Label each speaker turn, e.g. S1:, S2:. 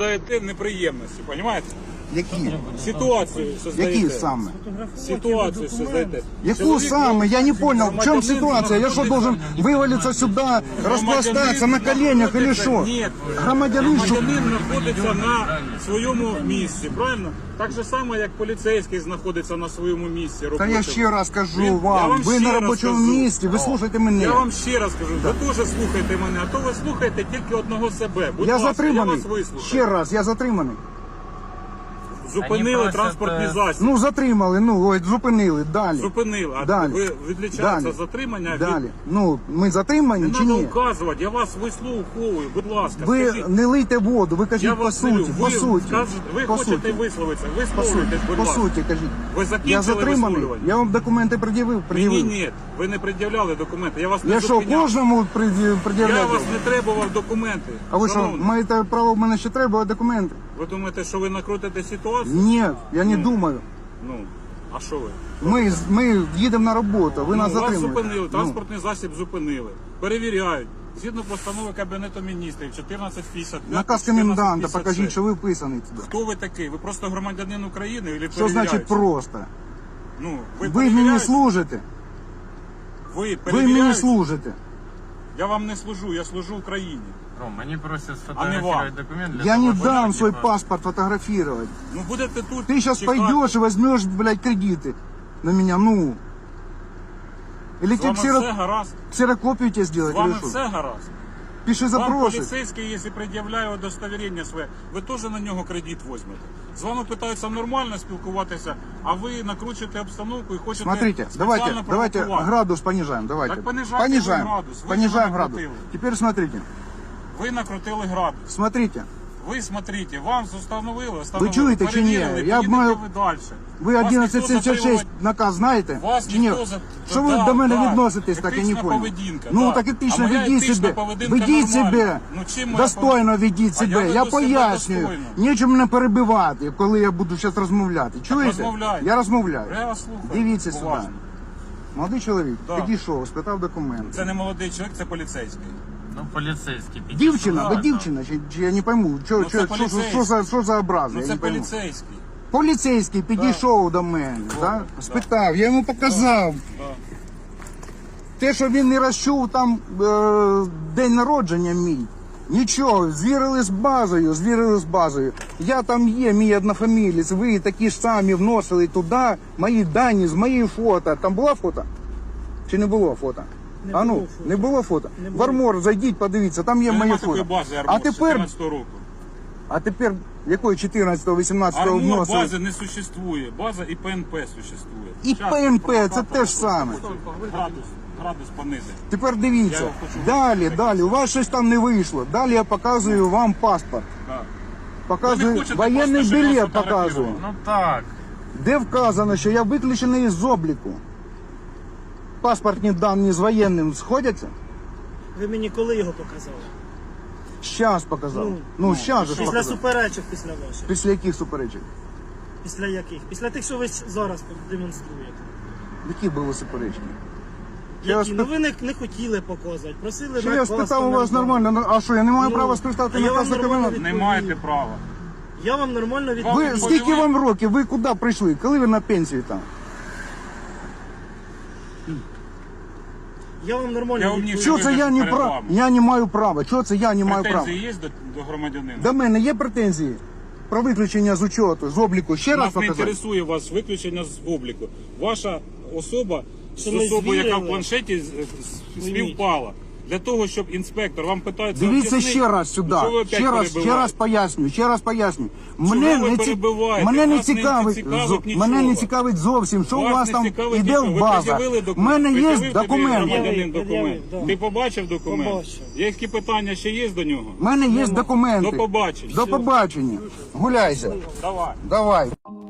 S1: Даєте неприємності, розумієте?
S2: Які?
S1: Ситуацію создаєте.
S2: Які саме?
S1: Ситуацию создаєте.
S2: Яку саме? Я не понял, в чем ситуация? Я что, должен вывалиться сюда, распластаться на коленях или что?
S1: Ні,
S2: Громадянин, що?
S1: громадянин знаходиться на своєму місці, правильно? Так же само, як поліцейський знаходиться на своєму місці.
S2: Та
S1: робочому.
S2: я ще раз кажу
S1: Я
S2: вам, ви
S1: ще
S2: на
S1: раз
S2: робочому
S1: кажу.
S2: місці, ви слухайте мене.
S1: Я вам ще раз кажу, ви теж слухайте мене, а то ви слухаєте тільки одного себе. Будь
S2: Я
S1: ласка,
S2: затриманий.
S1: я вас вислухаю.
S2: Ще раз, я затриманий.
S1: Зупинили
S3: Вони
S1: транспортний
S3: просять,
S1: засіб.
S2: Ну, затримали, ну, ой, зупинили, далі.
S1: Зупинили. А
S2: Далі.
S1: ви відлічається
S2: Далі.
S1: затримання від...
S2: Далі. Ну, ми затримані
S1: Не
S2: чи
S1: треба
S2: ні?
S1: указувати, я вас вислуховую, будь ласка.
S2: Ви
S1: скажіть.
S2: не лийте воду, ви
S1: Я
S2: кажіть по
S1: вас не
S2: суті,
S1: люблю.
S2: по суті.
S1: Ви
S2: По
S1: хочете
S2: суті.
S1: висловитися,
S2: По
S1: висловлюйтесь,
S2: суті,
S1: будь
S2: по
S1: ласка.
S2: суті, кажіть.
S1: Ви
S2: Я
S1: закінчили
S2: затриманий,
S1: висловлювання?
S2: я вам документи пред'явив.
S1: Мені ні, ви не пред'являли документи, я вас не
S2: Я що,
S1: зупиняв.
S2: кожному
S1: Я
S2: пред'являю?
S1: вас не требував документи.
S2: А ви що,
S1: Шановний,
S2: маєте право в мене ще треба документи?
S1: ви думаєте, що ви накрутите ситуацію?
S2: Ні, я не думаю.
S1: Ну, а що ви?
S2: Ми їдемо на роботу, ви нас
S1: Вас
S2: затримуєте.
S1: зупинили,
S2: Ну,
S1: транспортний засіб зупинили. Перевіряють. Згідно постанови Кабінету міністрів 1455.
S2: наказ коменданта,
S1: 1456.
S2: покажіть, що ви вписаний туди.
S1: Хто ви такий? Ви просто громадянин України? Или
S2: Що значить просто?
S1: Ну,
S2: Ви мені
S1: перевіряєте?
S2: служите.
S1: Ви
S2: Ви мені
S1: перевіряєте?
S2: служите.
S1: Я вам не служу, я служу Україні.
S3: Ром, мені просять
S1: вам.
S3: сфотографировать документ для
S2: Я
S3: того,
S2: не
S3: щоб
S2: дам
S3: вони,
S2: свой
S3: типа,
S2: паспорт фотографировать.
S1: Ну будете тут.
S2: Ты сейчас
S1: чекати.
S2: пойдешь и возьмешь, блядь, кредиты на меня, ну. Или
S1: З
S2: тебе
S1: вами все гаразд.
S2: ксерокопию тебе
S1: З
S2: сделать,
S1: вами
S2: или что?
S1: все гаразд.
S2: Пиши
S1: Вам
S2: запросы.
S1: поліцейський, якщо пред'являє удостоверення своє, ви теж на нього кредит візьмете. З вами питаються нормально спілкуватися, а ви накручуєте обстановку і хочете
S2: Смотрите,
S1: спеціально
S2: давайте
S1: провокувати.
S2: градус понижаем, давайте.
S1: Так понижайте вы градус, вы
S2: понижаем
S1: же
S2: градус.
S1: накрутили.
S2: Теперь смотрите,
S1: Ви накрутили градус.
S2: смотрите.
S1: Ви смотрите, вам встановили,
S2: чуєте чи ні?
S1: перевірили,
S2: Я
S1: поїдете
S2: маю-
S1: ви далі.
S2: Ви
S1: Вас
S2: 1176
S1: ніхто
S2: наказ знаєте?
S1: Вас
S2: Чи ні?
S1: ніхто за-
S2: Що ви
S1: Да,
S2: до мене
S1: да.
S2: відноситесь, так я не
S1: Етична
S2: понял.
S1: поведінка,
S2: Ну
S1: да.
S2: так етично
S1: А моя
S2: ведіть
S1: етична
S2: себе.
S1: поведінка
S2: Ведіть
S1: нормальна.
S2: себе.
S1: Ну, чим моя
S2: Достойно ведіть
S1: А
S2: себе.
S1: я
S2: Я
S1: веду себе
S2: пояснюю.
S1: достойно.
S2: Нічим мене перебивати, коли я буду зараз розмовляти. Чуєте?
S1: розмовляйте.
S2: Я розмовляю.
S1: Я вас слухаю.
S2: Дивіться сюди.
S1: Уважно.
S2: Молодий чоловік
S1: Да.
S2: підійшов, спитав документи.
S1: Це не молодий чоловік, це поліцейський.
S3: Ну, поліцейський. підійшов.
S2: Дівчина, ви
S1: Да,
S2: дівчина, чи я не пойму,
S1: Ну, це поліцейський.
S2: що за образи,
S1: Ну
S2: я
S1: це
S2: не пойму.
S1: поліцейський.
S2: Поліцейський підійшов до мене, да? Спитав, я йому показав.
S1: Да.
S2: Те, що він не розчув там день народження мій. Нічого, звірили з базою. Я там є, мій однофамілець, ви такі ж самі вносили туди мої дані з моєї фото. Там було фото? Чи не було фото?
S4: Не було фото.
S2: Не було фото?
S4: Не
S2: В
S4: було.
S2: Армор зайдіть, подивіться, там є
S1: Нема
S2: моє
S1: такої
S2: фото.
S1: бази
S2: А
S1: Армор з
S2: тепер,
S1: 14-го року.
S2: якої 14-18
S1: Армор
S2: вносили?
S1: бази не существує. База і ПНП существує.
S2: І
S1: Щас,
S2: ПНП, це те ж саме.
S1: Градус понизить.
S2: Тепер
S1: Я
S2: дивіться,
S1: його хочу
S2: далі, у вас щось там не вийшло. Далі я показую вам паспорт.
S1: Да. Ви
S2: Показую
S1: не хочете
S2: воєнний
S1: просто, щоб
S2: білет,
S1: вас фотографували?
S2: показую.
S3: Ну так.
S2: Де вказано, що я виключений із обліку. Паспортні дані з воєнним сходяться?
S4: Ви мені коли його показали?
S2: Щас показав.
S4: Ну,
S2: Ну, щас же ж
S4: Після
S2: показав.
S4: суперечок після ваших.
S2: Після яких суперечок?
S4: Після яких? Після тих, що ви зараз демонструєте.
S2: Які були суперечки? Я
S4: Які?
S2: вас
S4: Ну ви не хотіли показувати, просили
S2: Що я
S4: наказ
S2: спитав у вас
S4: коменданта.
S2: нормально, а що, я не маю
S4: Ну,
S2: права спитати
S4: а я
S2: наказ
S4: вам
S2: на
S4: нормально
S2: коменданта?
S1: Не маєте права.
S4: Я вам нормально
S2: Ви,
S4: відповів.
S2: скільки вам років? Ви куди прийшли? Коли ви на пенсії там?
S4: Я вам нормально
S1: Я вам
S4: відповів.
S2: Чого це я не
S1: перед
S2: прав?
S1: вами.
S2: Я не маю права. Чого це я не маю права?
S1: Претензії є до громадянина?
S2: До мене є претензії про виключення з учету, з обліку. Ще раз
S1: Нас не
S2: показати?
S1: інтересує вас виключення з обліку. Ваша особа з
S4: Що ми
S1: особою, яка в
S4: звірили?
S1: планшеті співпала. Для того, щоб інспектор вам питається...
S2: Дивіться
S1: об'яснити,
S2: ще раз сюди.
S1: що ви опять
S2: Ще раз
S1: перебиваєте?
S2: поясню.
S1: ви перебиваєте?
S2: Мене не
S1: Вас не
S2: цікавить,
S1: цікавить нічого.
S2: мене не цікавить зовсім, що у
S1: Вас
S2: вас
S1: не
S2: там
S1: цікавить
S2: іде
S1: нічого.
S2: в
S1: Ви
S2: база.
S1: пред'явили
S2: У
S1: документ.
S2: мене є
S1: Пред'явив тобі
S2: документи.
S1: громадянин
S4: Пред'явив,
S1: документ.
S4: да.
S1: Ти побачив документ?
S4: Побачив.
S1: Які питання ще є до нього?
S2: У мене є документи.
S1: До побачення.
S2: До побачення. Гуляйся.
S1: Давай.
S2: Давай.